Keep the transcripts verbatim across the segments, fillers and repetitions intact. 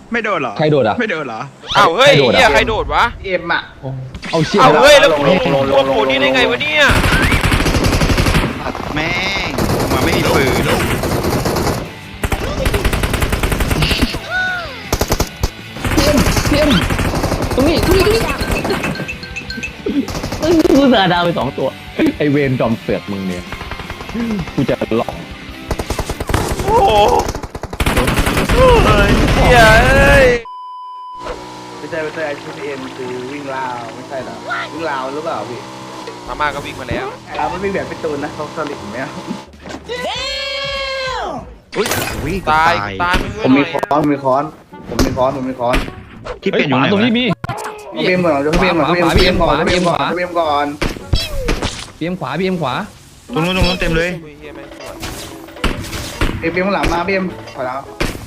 ไม่โดนเหรอใครโดดอ่ะไม่โดนเหรออ้าวเฮ้ยเฮียใครโดดวะเอ็มอ่ะเอาเชี่ยอ้าวเฮ้ยแล้วลงลงลงโผล่นี่ได้ไงวะเนี่ยแม่งมาไม่มีปืนเพี้ยนตรงนี้ตรงนี้ตรงนี้กูสาดาวไปสองตัวไอเวนจอมเสือกมึงเนี่ยกูจะล็อกโอ้โหเฮียเอ้ยไม่ใช่ไม่ใช่ไอ้ชุดเอ็มคือวิ่งราวไม่ใช่หรอวิ่งราวหรือเปล่าพี่มาม่าก็วิ่งมาแล้วเราไม่วิ่งแบบพี่ตูนนะเขาสลิดไหมอุ้ยวิ่งตายตายผมมีค้อนมีค้อนผมมีค้อนผมมีค้อนที่เป็นอยู่ไหนตรงนี้มีพี่เอ็มก่อนพี่เอ็มก่อนพี่เอ็มก่อนพี่เอ็มก่อนพี่เอ็มก่อนพีเอ็มขวาพีเอ็มขวาตรงนู้นตรงนู้นเต็มเลยเอ็มเอ็มหลังมาพี่เอ็มขอแล้ว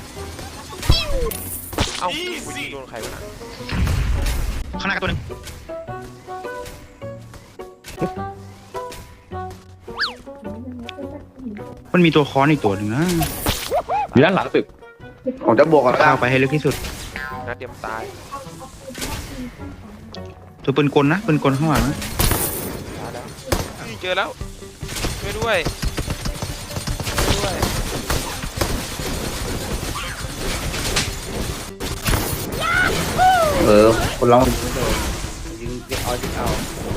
เอ้ากูยิงโดนใครวะข้างหน้าตัวนึงมันมีตัวค้อนอีกตัวหนึ่งนะอยู่ด้านหลังตึกผมจะบวกกับเข้าไปให้ลึกที่สุดนัดเดียวตายตัวปืนกลนะปืนกลข้างหลังนะเจอแล้วช่วยด้วยช่วยด้วยเออคนร้องไม่โดนยิงเอายิงเอา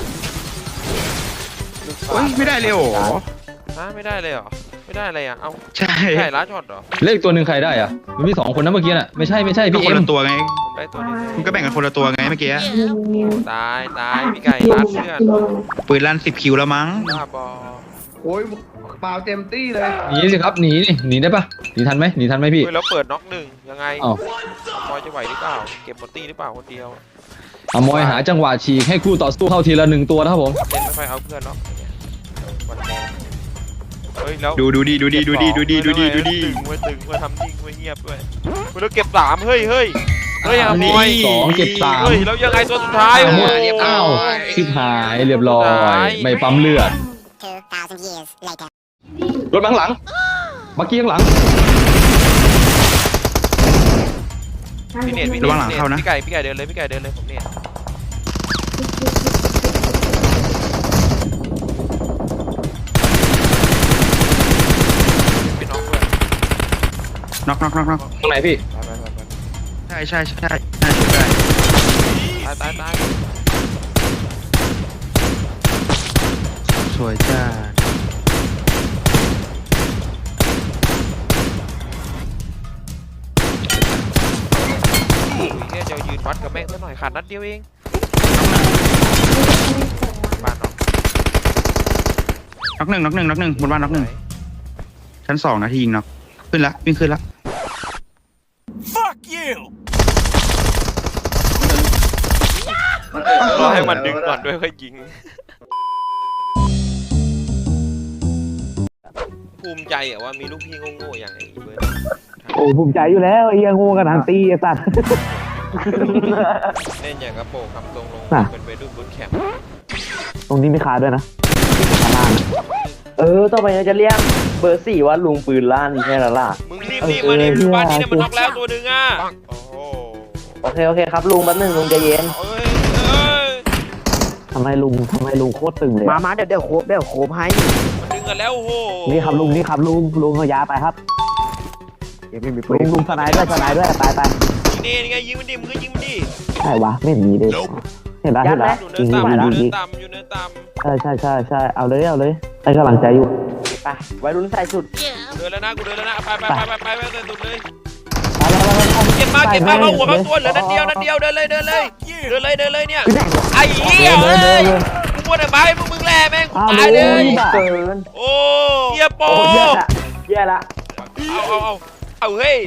โอ้ยไม่ได้เลยโอ้ฮะไม่ได้เลยเหรอไม่ได้อะไรอ่ะเอ้าใช่ใช่ล้าช็อตเหรอเลขตัวหนึ่งใครได้อ่ะมันมีสองคนนะเมื่อกี้น่ะไม่ใช่ไม่ใช่พี่เอ็มคนละตัวไงได้ตัวนี้คุณก็แบ่งกันคนละตัวไงเมื่อกี้ตายตายพี่ไก่ล้าเพื่อนปืนลั่นสิบคิวแล้วมั้งบ้าบอโอ้ยเปล่าเต็มตี้เลยหนีสิครับหนีนี่หนีได้ปะหนีทันไหมหนีทันไหมพี่แล้วเปิดน็อกหนึ่งยังไงมอยจะไหวหรือเปล่าเก็บหมดตี้หรือเปล่าคนเดียวอมอยหาจังหวะฉีกให้คู่ต่อสู้เข้าทีละหนึ่งตัวนะครับผมเล่นไม่ค่อยเอาเพื่อนหรอกเฮ้ยแล้วดูดูดีดูดีดูดีดูดีดูดีดูดีตึงไว้ตึงไว้ทำนิ่งไว้เงียบด้วยแล้วเก็บสามเฮ้ยเฮ้ยเฮ้ยอมอยสองเก็บสามเฮ้ยแล้วยังไงตัวสุดท้ายหมดอ้าวชิบหายเรียบร้อยไม่ปั๊มเลือดรถบังหลังบักกี้ข้างหลังพี่เนตพี่เนตพี่ไก่พี่ไก่เดินเลยพี่ไก่เดินเลยผมเนตพี่น็อกด้วยน็อกน็อกน็อกน็อกตรงไหนพี่ใช่ใช่ใช่ใช่ใช่ตายตายตายสวยจ้าแค่จะยืนวัดกับแม่งสักหน่อยขาดนัดเดียวเองบ้านน็อกน็อกหนึ่งน็อกหนึ่งน็อกหนึ่งบนบ้านน็อกหนึ่งชั้นสองนาทียิงน็อกขึ้นละวิ่งขึ้นละ Fuck you รอให้มันดึงก่อนด้วยค่อยยิงภูมิใจอะว่ามีลูกพี่โง่ๆอย่างไอ้เบิร์ดโอ้ภูมิใจอยู่แล้วไอ้ยังงูกันทันตีไอ้สัตว์เล่นอย่างกระโปรงครับลงลงเป็นไปดูบุญแคมป์ตรงนี้ไม่ขาดด้วยนะเออต่อไปจะเรียกเบอร์สี่ว่าลุงปืนลั่นแค่ละล่ะมึงรีบรีบมาดิบ้านนี้เนี่ยมันน็อกแล้วตัวหนึ่งอ่ะโอเคโอเคครับลุงแป๊บนึงลุงใจเย็นทำไมลุงทำไมลุงโคตรตึงเลยมามาเดี๋ยวเดี๋ยวโคบเดี๋ยวโคบให้มันดึงกันแล้วโอ้โหนี่ครับลุงนี่ครับลุงลุงเอายาไปครับลุงลุงสไนด้วยสไนด้วยตายตายนี่ไงยิงมันดิมึงก็ยิงมันดิใช่วะไม่มีเลยเห็นแล้วเห็นแล้วอยู่เนินต่ำอยู่เนินต่ำอยู่เนินต่ำใช่ใช่ใช่ใช่เอาเลยเอาเลยให้กำลังใจอยู่ไปไว้รุ่นใส่สุดเดินแล้วนะกูเดินแล้วนะไปไปไปไปไปไปใส่สุดเลยเก็บมาเก็บมาเข้าหัวเข้าตัวเหลือนัดเดียวนัดเดียวเดินเลยเดินเลยเดินเลยเดินเลยเนี่ยไอ้เหี้ยเอ้ยกูมัวแต่ไปมึงมึงแล่แม่งกูตายเลยโอ้เหี้ยโปแย่ละเอาเอาเอาเอาเฮ้ย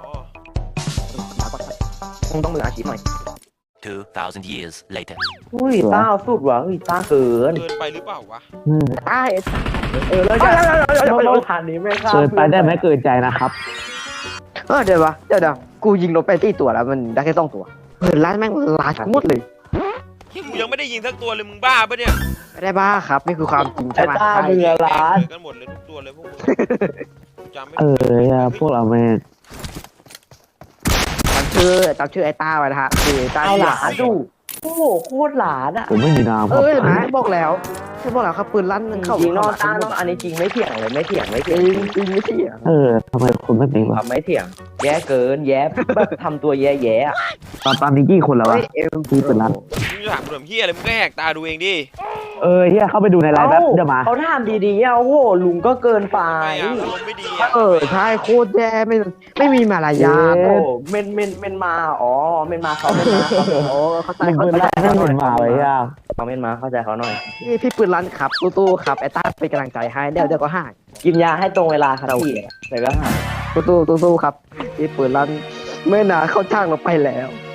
คงต้องมืออาชีพหน่อย two thousand years later อุ้ยต้าสุดว่ะอุ้ยต้าเกินเกินไปหรือเปล่าวะต้าเออเลยจ้ะเราผ่านนี้ไม่ข้ามเกินไปได้ไหมเกินใจนะครับเออเดี๋ยววะเดี๋ยวเดี๋ยวกูยิงรถไปตีตัวแล้วมันได้แค่สองตัวเหินล้านแม่งล้านหมดเลยกูยังไม่ได้ยิงสักตัวเลยมึงบ้าปะเนี่ยไม่ได้บ้าครับนี่คือความจริงใช่ไหมต้าเรือล้านกันหมดเลยทุกตัวเลยพวกมึงเออพวกเราแม่งคือจำชื่อไอ้ต้าไว้นะฮะคือต้าเอาที่หลานดูโอ้โหโคตรหลานอ่ะผมไม่มีนามคเอรับอเห็นไหมบอกแล้วฉันบอกแล้วครับปืนลั่นมันเข้าจริงๆนอกเข้ตาเนอกอันนี้จริงไม่เถียงเลยไม่เถียงไม่จเถียงริงจริงไม่เถียงเออทำไมคุณไม่เป็นคว รับไม่เถียง แย่เกินแย่แบบทำตัวแย่แย่ๆอะตอนตอนนี้กี่คนแล้ววะเฮ้ยเอ็มที่เป็นร้านมึงถามกูทำเฮียอะไรมึงก็แหกตาดูเองดิเออเฮียเข้าไปดูในไลน์แป๊บเดี๋ยวมาเขาทำดีๆอ่ะโอ้โหลุงก็เกินไปไม่อะอารมณ์ไม่ดีอะเออใช่โคตรแย่ไม่ไม่มีมารยาทโอ้เมนเมนเมนมาอ๋อเมนมาเขาเมนมาเขาโอ้เข้าใจมึงเข้าเป็นใจร้านให้เงินมาไว้อ่ะเขาเมนมาเข้าใจเขาหน่อยพี่พี่ปืนลั่นครับตู้ๆครับไอ้ต้าเป็นกำลังใจให้เดี๋ยวเดี๋ยวก็หายกินยาให้ตรงเวลาครับพี่แต่ก็หายตู้ๆตู้ๆครับพี่ปืนลั่นเมื่อนาเข้าช่างเราไปแล้ว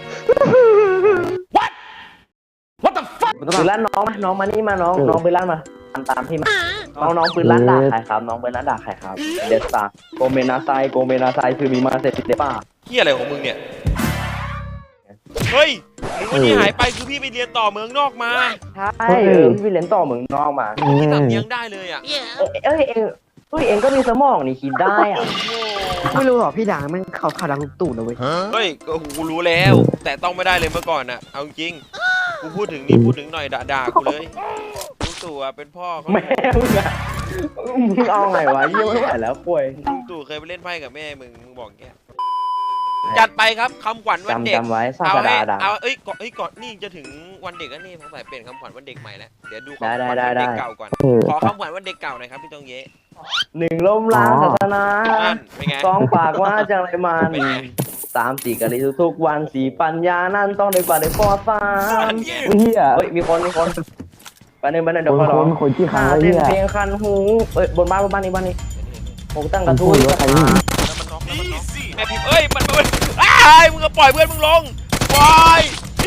ปืนลั่นน้องมาน้องมานี่มาน้องน้องปืนลั่นมาตามตามพี่มาน้องน้องปืนลั่นด่าใครครับน้องปืนลั่นด่าใครครับเดสตาโกเมนาไซโกเมนาไซคือมีมาเสร็จเดป้าเฮียอะไรของมึงเนี่ยเฮ้ยหรือว่าที่หายไปคือพี่ไปเรียนต่อเมืองนอกมาใช่เออพี่เล่นต่อเมืองนอกมาพี่สำเนียงได้เลยอ่ะเอ้ยเอ้ยเฮ้ยเองก็มีสมองนี่คิดได้อ่ะไม่รู้หรอพี่ด่างมันเขาเขาดังลูกตู่นะเว้ยเฮ้ยก็กูรู้แล้ว แต่ต้องไม่ได้เลยเมื่อก่อนน่ะเอาจริงกูพูดถึงนี่พูดถึงหน่อยด่าด่ากูเลยลุงตู่อะเป็นพ่อเขาแม่มึงอ่ะมึงเอาไงวะเยี่ยไม่ไหวแล้วป่วยลุงตู่เคยไปเล่นไพ่กับแม่มึงมึงบอกแกจัดไปครับคำขวัญวันเด็กจำจำไว้ซาเอากระให้ดาดาเอาเอ้ยก่อนเอ้ยก่อนนี่จะถึงวันเด็กแล้วนี่สงสัยเปลี่ยนคำขวัญวันเด็กใหม่แล้วเดี๋ยวดูคำขวัญได้วันได้ได้เด็กเก่าก่อนเออขอคำขวัญวันเด็กเก่าหน่อยครับพี่ตองเยะหนึ่งล้มล้างศาสนานั่นเป็นไงสองปากว่าจังไรมันเป็นไงสามสี่กะลิทุกๆวันสี่ปัญญานั่นต้องได้กว่าได้ฟอสามเฮียเฮ้ยมีคนมีคนไปหนึ่งไปหนึ่งเดี๋ยวคขอน ร้คองนคนที่ค้างหาไว้เต้เฮีนยเพลงคันหูเอ้ยบนบ้านบนบ้านนี้บ้านนี้ผมตั้งกระทู้พูดว่าใครนี่แล้วมันน็อกแล้วมันน็อกแม่พิมพ์เอ้ยมันมันอ้ายมึงก็ปล่อยเพื่อนมึงลงปล่อย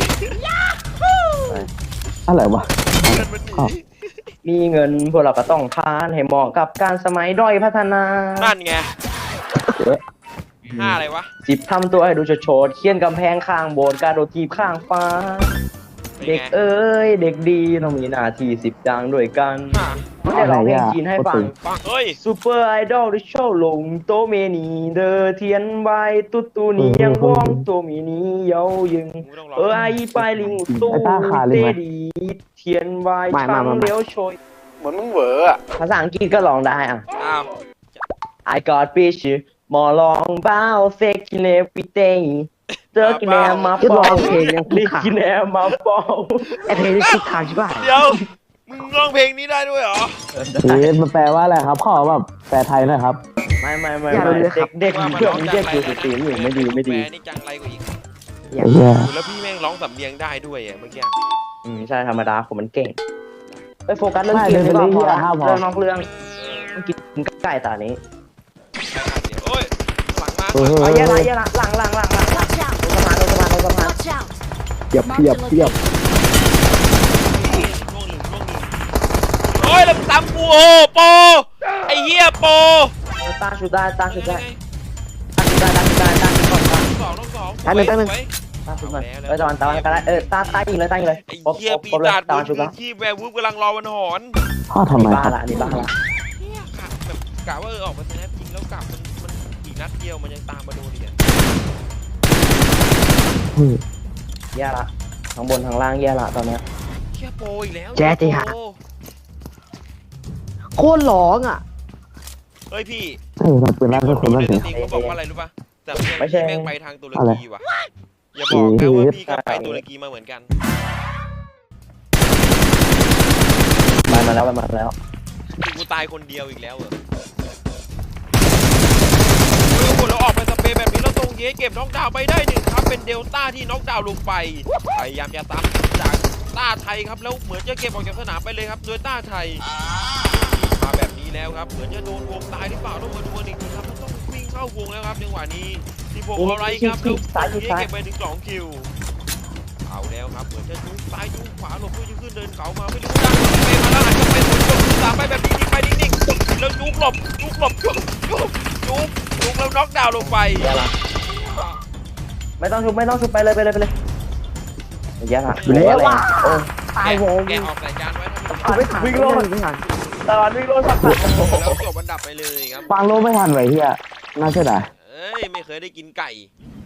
อะไรวะเพื่อนมันหนีมีเงินพวกเราก็ต้องทานให้เหมาะกับการสมัยด้อยพัฒนานั่นไงห้าอะไรวะสิบทำตัวให้ดูโฉดๆเขียนกำแพงข้างโบสถ์กระโดดทีบข้างฟ้าเป็นเด็กไงเอ้ยเด็กดีต้องมีหน้าที่สิบดังด้วยกันอ่ะไม่ได้ร้องเพลงจีนให้ฟังปังเฮ้ยซูเปอร์ไอดอลที่โชว์ลงโตเมนีเดอเทียนใบตุ๊ตูนี้ยังว่องโตมีนี้เยายึงมึงต้องรอเออไอไปลิงตู้เตดีเทียนใบช่างเลี้ยวโชยเหมือนมึงเหวออ่ะภาษาอังกฤษก็ร้องได้อ่ะอ้าว I got fish มอลองเบ้าเฟกกินเอฟิเตเจอกินแอมมาเป่าลิกินแอมมาเป่าไอ้เพลงนี่คิดทางใช่ป่ะเดี๋ยวมึงร้องเพลงนี้ได้ด้วยเหรอเฮ้ยมันแปลว่าอะไรครับขอแบบแปลไทยหน่อยครับไม่ไม่ไม่ไม่เด็กเด็กเพื่อนเด็กอยู่สตรีมอยู่ไม่ดีไม่ดีแปลนี่จังไรกว่าอีกเฮียแล้วพี่แม่งร้องสำเนียงได้ด้วยอ่ะเมื่อกี้อืมใช่ธรรมดาผมมันเก่งไปโฟกัสเรื่องเกมดีกว่าพอละเรื่องนอกเรื่องกินไก่ตานี้โอ้ยหลังมาเออเอาเยอะละเยอะละหลังหลังหลังหลัง Watch out! ลงสะพานลงสะพานลงสะพาน Watch out! เพียบเพียบเพียบล่วงหนึ่งล่วงหนึ่งโอ้ยแล้วมึงซ้ำกูโอ้โปไอ้เหี้ยโปตาชุดได้ตาชุดได้ตาชุดได้ตาชุดได้ตาชุดก่อนสองต้องสองอันหนึ่งอันหนึ่งตาชุดก่อนเออตะวันตะวันก็ได้เออตาตายิงเลยตายิงเลยไอ้ครบเหี้ยครบปีครบเลยศาจตาบนชุดพื้แล้วนที่แวร์วูฟกำลังรอวันหอนพ่อทำไมบ้าครับละนี่บ้าละเนี่ยกะแบบกะว่าเออออกมาสแนปยิงแล้วกลับมันมันอีกนัดเดียวมันยังตามมาโดนอีกเนี่ยแย่ละทั้งบนทั้งล่างแย่ละตอนเนี้ยเหี้ยโปอีกแล้วแจ๊ดจีฮะโปโคตรร้องอ่ะเฮ้ยพี่เออทำปืนลั่นคก็นคนดูลั่นในเสีสยตรีมเขาบอกว่าอะไรรู้ป่ะแต่พี่แม่งไปทางตุรกีว่ะอย่าบอกนะว่าพี่ก็ไปตุรกีมาเหมือนกันมามาแล้วมาแล้วกูตายคนเดียวอีกแล้วเหรอเฮ้ยโหแล้วออกไปสเปรย์แบบนี้แล้วตรงเย้เก็บน็อกดาวน์ไปได้หนึ่งครับเป็นเดลต้าที่น็อกดาวน์ลงไปพยายามจะตามจากต้าไทยครับแล้วเหมือนจะเก็บออกจากสนามไปเลยครับโดยต้าไทยมาแบบนี้แล้วครับเหมือนจะโดนวงตายหรือเปล่าต้องมาดูกันอีกทีครับต้องวิ่งเข้าวงแล้วครับจังหวะนี้ที่พวกอะไรครับแล้วเย้เก็บไปถึงสองคิวเอาแล้วครับเหมือนจะจุกซ้ายจุกขวาหลบเพื่อจะขึ้นเดินเขามาไม่รู้ดังเปมาแล้วอาจจะเป็นคนกดตามไปแบบนิ่งๆไปนิ่งๆแล้วจุกหลบจุกหลบจุกจุกจุกจุกแล้วน็อกดาวน์ลงไปแย่ละไม่ต้องชุบไม่ต้องชุบไปเลยไปเลยไปเลยแย่ละอยู่แล้วว่ะโอ้ตายวงแกะออกสายจานไว้ถ้ากูไม่ทันวิ่งโลดไม่ทันตอนวิ่งโลดสักมีแล้วจบอันดับไปเลยครับฟังโลไม่ทันไว้เฮียน่าเสียดายเอ้ยไม่เคยได้กินไก่